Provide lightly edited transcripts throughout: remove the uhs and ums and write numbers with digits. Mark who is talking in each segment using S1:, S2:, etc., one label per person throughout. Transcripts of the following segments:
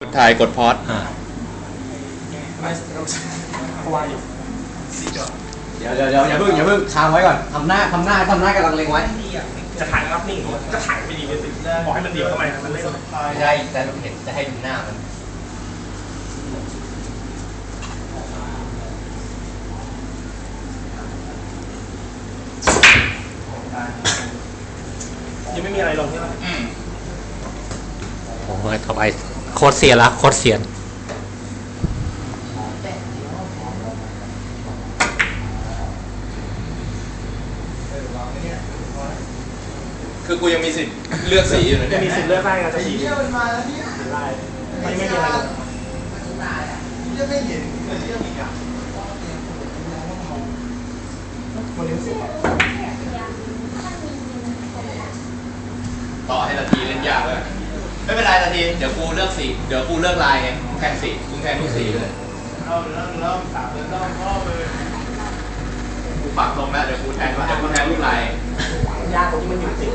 S1: ถ่ายกดพอส
S2: เดี๋ยวอย่าเพิ่งค้างไว้ก่อนทำหน้ากำลังเล็งไว้
S3: จะถ่ายภาพนิ่งก็ถ่ายไปดีเลยสิบอกให้มันเดี่ยวทำไมมันเล่น
S2: ไม่ใช่แต่เราเห็นจะให้ดูหน้ามัน
S3: ยังไม่มีอะไรลงใช่ไหม
S4: โอ้ยต่อไปโคตรเสียละโคตรเสียน
S1: คือกูยังมีสิทธิ์เลือกสีอยู่เลยเนี่ย
S3: มีสิทธิ์เลือกได้ไงจะสีได้ไม่มีอะไรลงจะไม่เห็นเรื่องอีกอ่ะวันนี้สิ
S1: ต่อให้นาทีเล่นยากเลยไม่เป็นไรนาทีเดี๋ยวกูเลือกสีเดี๋ยวกูเลือกลายไงกูแทนสีกูแทนทุกสีเลยเริ่มสามเริ่มพ่อเลยกูปักลงแล้วเดี๋ยวกูแทนทุกลาย
S3: ยากตรงที่มันอยู่ติด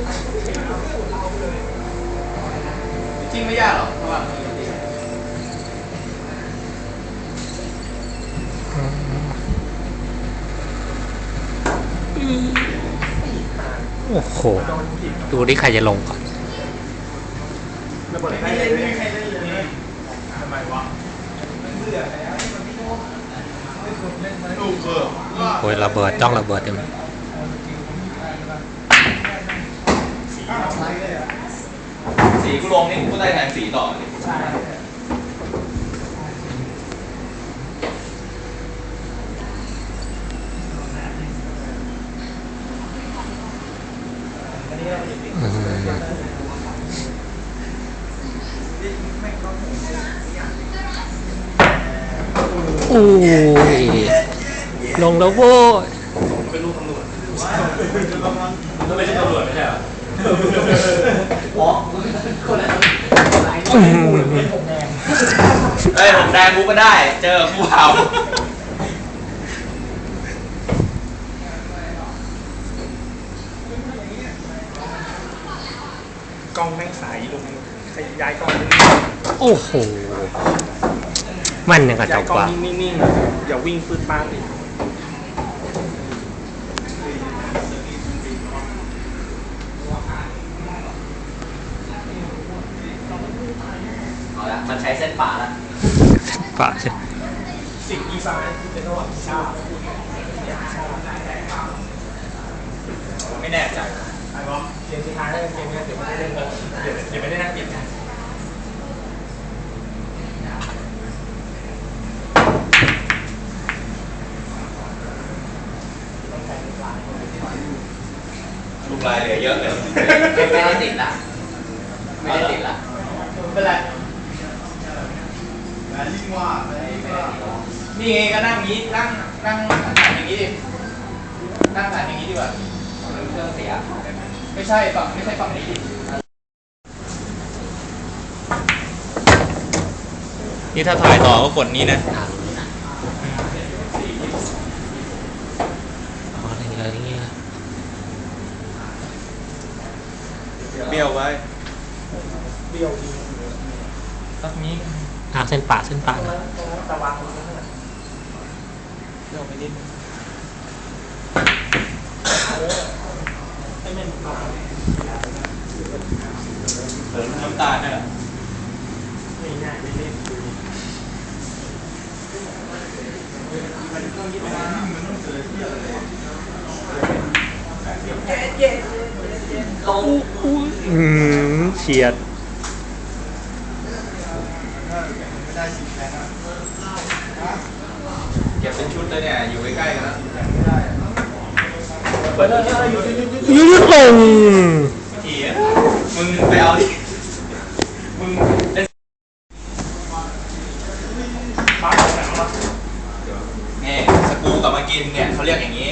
S1: จริงไม่ยากหรอกเพราะว่า
S4: โอ้โหดูดิใครจะลงก่อน
S3: ระเบิดให้เลยทำไมวะ
S4: โอ้ยระเบิดจ้องระเบิดเต็ม
S1: สีกูลงนี่กูได้แทนสีต่อเลย
S3: ใช่
S4: โอ้ยลงแล้วโว้ย
S3: เป็นลูกตำรวจมันไม่ใช่ตำรวจไม่ใช่เหรอ
S1: เฮ้ยผมแดงกูก็ได้เจอกูเผาก
S3: ล้องแม่งใสลงย้ายกล้อง
S4: โอ้โหมันยังกระจ
S3: ย้าย
S4: ก
S3: กล้อ
S4: ว่าง
S3: นิ่งๆอย่าวิ่งปืดป้านดิ
S2: เอาละมันใช้เส้นป่าแล้ว
S4: ป่าใช่
S3: สิ่งอีสานเป็นระหว่างชา
S1: ไม่แน่ใจ
S3: ไอ้บอสเกมสุดท้ายเกมนี้เดี๋ยวไม่ได้เล่นเลยเดี๋ยวไม่ได้น่าเกลียดนะ
S1: ลูกลายเหลือเยอะเลย
S2: ไม่ได้ติดละไม่ได้ติดละ
S1: เป็นไรนี่ไงก็นั่งงี้นั่งหันอย่างนี้ดินั่งหันอย่างนี้ดีกว่า
S2: เครื่องเสีย
S1: ไม่ใช่ฝั่งนี้ดินี่ถ้าถ่ายต่อก็กดนี้นะ
S4: อะไรเงี้ย
S1: เบี้ยวไว้
S3: เบี้ยวดี
S1: สักนี้
S4: เส้นป่านะ
S3: ตะวัน
S1: เบี้ยวไปนิด
S3: ให้มันมา
S1: เติมน้ำตาลเนี่ย
S3: ไม่ง่ายไม่เล่น
S4: เฉียด
S1: เก็บเป็นชุดเลยเนี่ยอยู่ใกล้ๆกันแล้ว
S4: ยืดลง
S1: ทีมึงไปเอาดิมึงเล่น
S3: บ้าแข็งวะ
S1: เนี่ยสกูกับมากินเนี่ยเขาเรียกอย่างนี้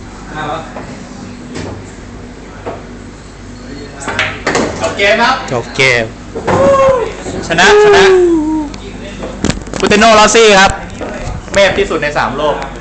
S1: จบเกมครับ
S4: จบเกม
S1: ชนะคูเตโนลอซี่ครับเมพที่สุดใน3 โลก